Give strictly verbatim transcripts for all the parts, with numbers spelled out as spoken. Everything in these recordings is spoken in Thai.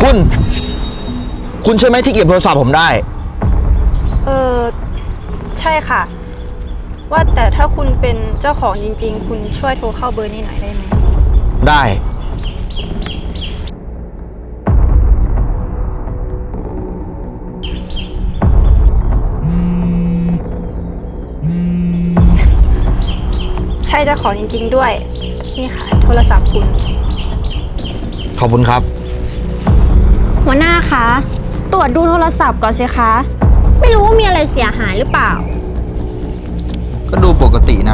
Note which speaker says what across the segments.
Speaker 1: คุณ คุณใช่ไหมที่เก็บโทรศัพท์ผมได้
Speaker 2: เออใช่ค่ะ ว่าแต่ถ้าคุณเป็นเจ้าของจริงๆ คุณช่วยโทรเข้าเบอร์นี้หน่อยได้ไหม
Speaker 1: ได้
Speaker 2: ใช่เจ้าของจริงๆด้วย นี่ค่ะ โทรศัพท์คุณ
Speaker 1: ขอบคุณครับ
Speaker 3: หัวหน้าคะ ตรวจดูโทรศัพท์ก่อนสิคะ ไม่รู้ว่ามีอะไรเสียหายหรือเปล่า
Speaker 1: ก็ดูปกตินะ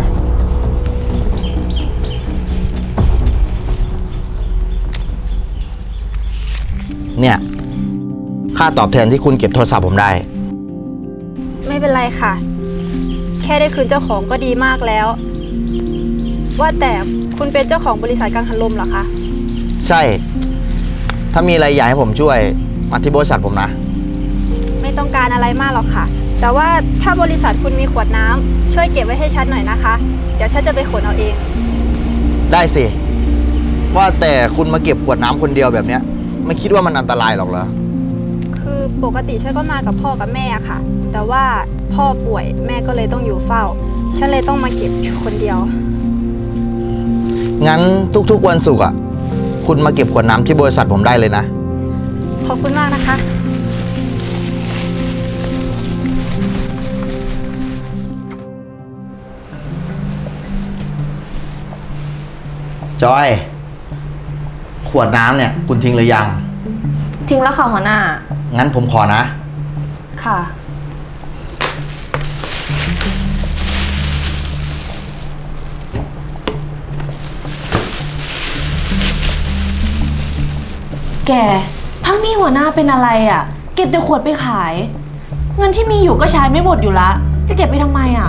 Speaker 1: เนี่ย ค่าตอบแทนที่คุณเก็บโทรศัพท์ผมได้
Speaker 2: ไม่เป็นไรค่ะ แค่ได้คืนเจ้าของก็ดีมากแล้ว ว่าแต่คุณเป็นเจ้าของบริษัทกังหันลมเหรอคะ
Speaker 1: ใช่ ถ้ามีอะไรอยากให้ผมช่วย มาที่บริษัทผมนะ
Speaker 2: ไม่ต้องการอะไรมากหรอกค่ะ แต่ว่าถ้าบริษัทคุณมีขวดน้ำช่วยเก็บไว้ให้ฉันหน่อยนะคะ เดี๋ยวฉันจะไปขนเอาเอง
Speaker 1: ได้สิ ว่าแต่คุณมาเก็บขวดน้ำคนเดียวแบบเนี้ย ไม่คิดว่ามันอันตรายหรอกเหรอ
Speaker 2: คือปกติฉันก็มากับพ่อกับแม่อะค่ะ แต่ว่าพ่อป่วยแม่ก็เลยต้องอยู่เฝ้า ฉันเลยต้องมาเก็บอยู่คนเดียว
Speaker 1: งั้นทุกๆวันศุกร์อ่ะ คุณมาเก็บขวดน้ำที่บริษัทผมได้เลยนะ
Speaker 2: ขอบคุณมากนะคะ
Speaker 1: จอย ขวดน้ำเนี่ย คุณทิ้งหรือยัง
Speaker 4: ทิ้งแล้วค่ะหัวหน้า
Speaker 1: งั้นผมขอนะ
Speaker 4: ค่ะ แกพักนี้หัวหน้าเป็นอะไรอะ่ะ เก็บแต่ขวดไปขาย เงินที่มีอยู่ก็ใช้ไม่หมดอยู่ละ จะเก็บไปทำไมอะ่ะ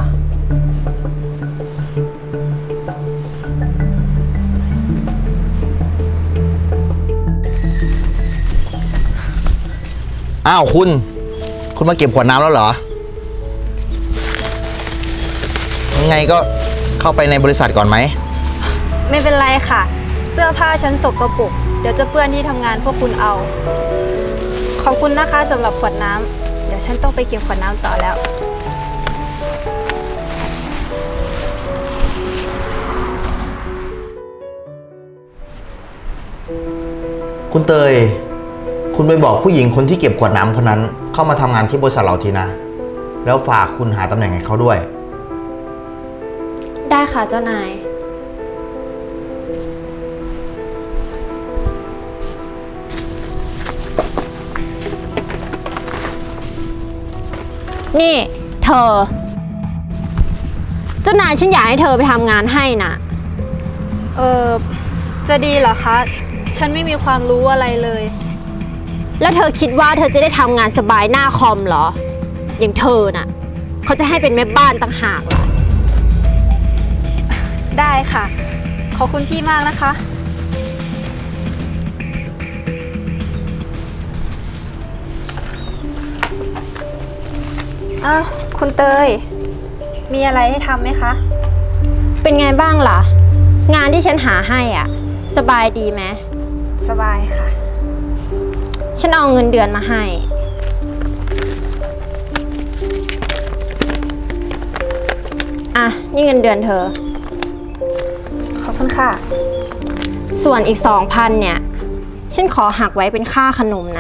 Speaker 1: อ้าวคุณ คุณมาเก็บขวดน้ำแล้วเหรอ ยังไงก็เข้าไปในบริษัทก่อนไหม
Speaker 2: ไม่เป็นไรค่ะ เสื้อผ้าฉันสกปรกเดี๋ยวจะเปื้อนที่ทำงานพวกคุณเอา ขอบคุณนะคะสำหรับขวดน้ำเดี๋ยวฉันต้องไปเก็บขวดน้ำต่อแล้ว
Speaker 1: คุณเตย คุณไปบอกผู้หญิงคนที่เก็บขวดน้ำคนนั้น เข้ามาทำงานที่บริษัทเราทีนะ แล้วฝากคุณหาตำแหน่งให้เขาด้วย
Speaker 3: ได้ค่ะเจ้านาย นี่เธอ เจ้านายฉันอยากให้เธอไปทำงานให้นะ
Speaker 2: เออจะดีเหรอคะ ฉันไม่มีความรู้อะไรเลย
Speaker 3: แล้วเธอคิดว่าเธอจะได้ทำงานสบายหน้าคอมเหรอ อย่างเธอน่ะ เขาจะให้เป็นแม่บ้านต่างหากเหรอ
Speaker 2: ได้ค่ะ ขอบคุณพี่มากนะคะ อ้าวคุณเตย มีอะไรให้ทำไหมคะ
Speaker 3: เป็นไงบ้างล่ะ งานที่ฉันหาให้อ่ะ สบายดีไหม
Speaker 2: สบายค่ะ
Speaker 3: ฉันเอาเงินเดือนมาให้ อ่ะ นี่เงินเดือนเธอ
Speaker 2: ขอบคุณค่ะ
Speaker 3: ส่วนอีกสองพันเนี่ย ฉันขอหักไว้เป็นค่าขนมนะ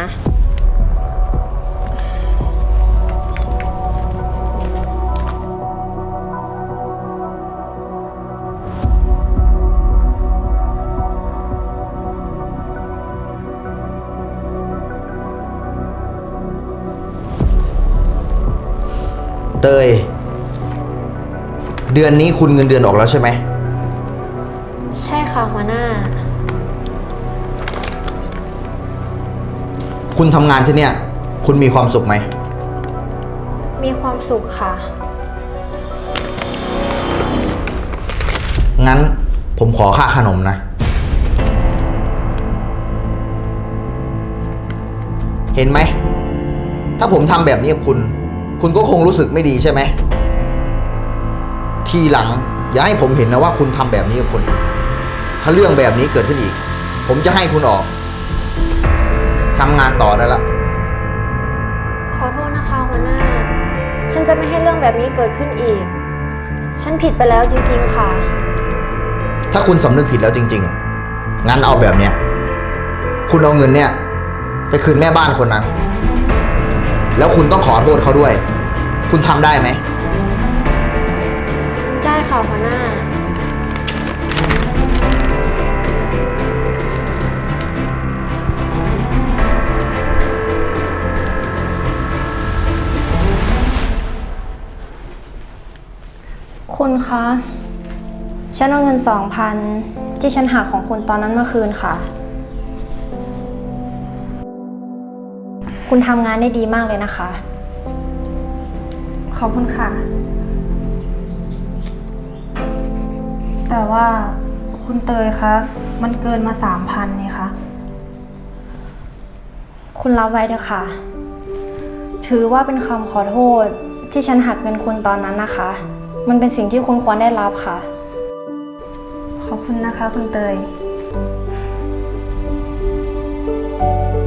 Speaker 1: เตย เดือนนี้คุณเงินเดือนออกแล้วใช่ไหม
Speaker 3: ใช่ค่ะหัวหน้า
Speaker 1: คุณทำงานที่เนี่ย คุณมีความสุขไหม
Speaker 3: มีความสุขค่ะ
Speaker 1: งั้นผมขอค่าขนมนะ เห็นไหม ถ้าผมทำแบบนี้กับคุณ คุณก็คงรู้สึกไม่ดีใช่ไหม ทีหลังอย่าให้ผมเห็นนะว่าคุณทำแบบนี้กับคนอื่นถ้าเรื่องแบบนี้เกิดขึ้นอีก ผมจะให้คุณออกทำงานต่อได้ละ
Speaker 3: ขอโทษนะคะหัวหน้า ฉันจะไม่ให้เรื่องแบบนี้เกิดขึ้นอีก ฉันผิดไปแล้วจริงๆค่ะ
Speaker 1: ถ้าคุณสำนึกผิดแล้วจริงๆอะงั้นเอาแบบเนี้ย คุณเอาเงินเนี่ย ไปคืนแม่บ้านคนนั้น แล้วคุณต้องขอโทษเขาด้วย คุณทำได้ไหม
Speaker 3: ได้ค่ะหัวหน้า
Speaker 2: คุณคะ ฉันเอาเงินสองพันที่ฉันหักของคุณตอนนั้นมาคืนค่ะ คุณทำงานได้ดีมากเลยนะคะ ขอบคุณค่ะ แต่ว่าคุณเตยคะ มันเกินมาสามพันนี่คะ คุณรับไว้เถอะค่ะ ถือว่าเป็นคำขอโทษที่ฉันหักเงินคุณตอนนั้นนะคะ มันเป็นสิ่งที่คุณควรได้รับค่ะ ขอบคุณนะคะคุณเตย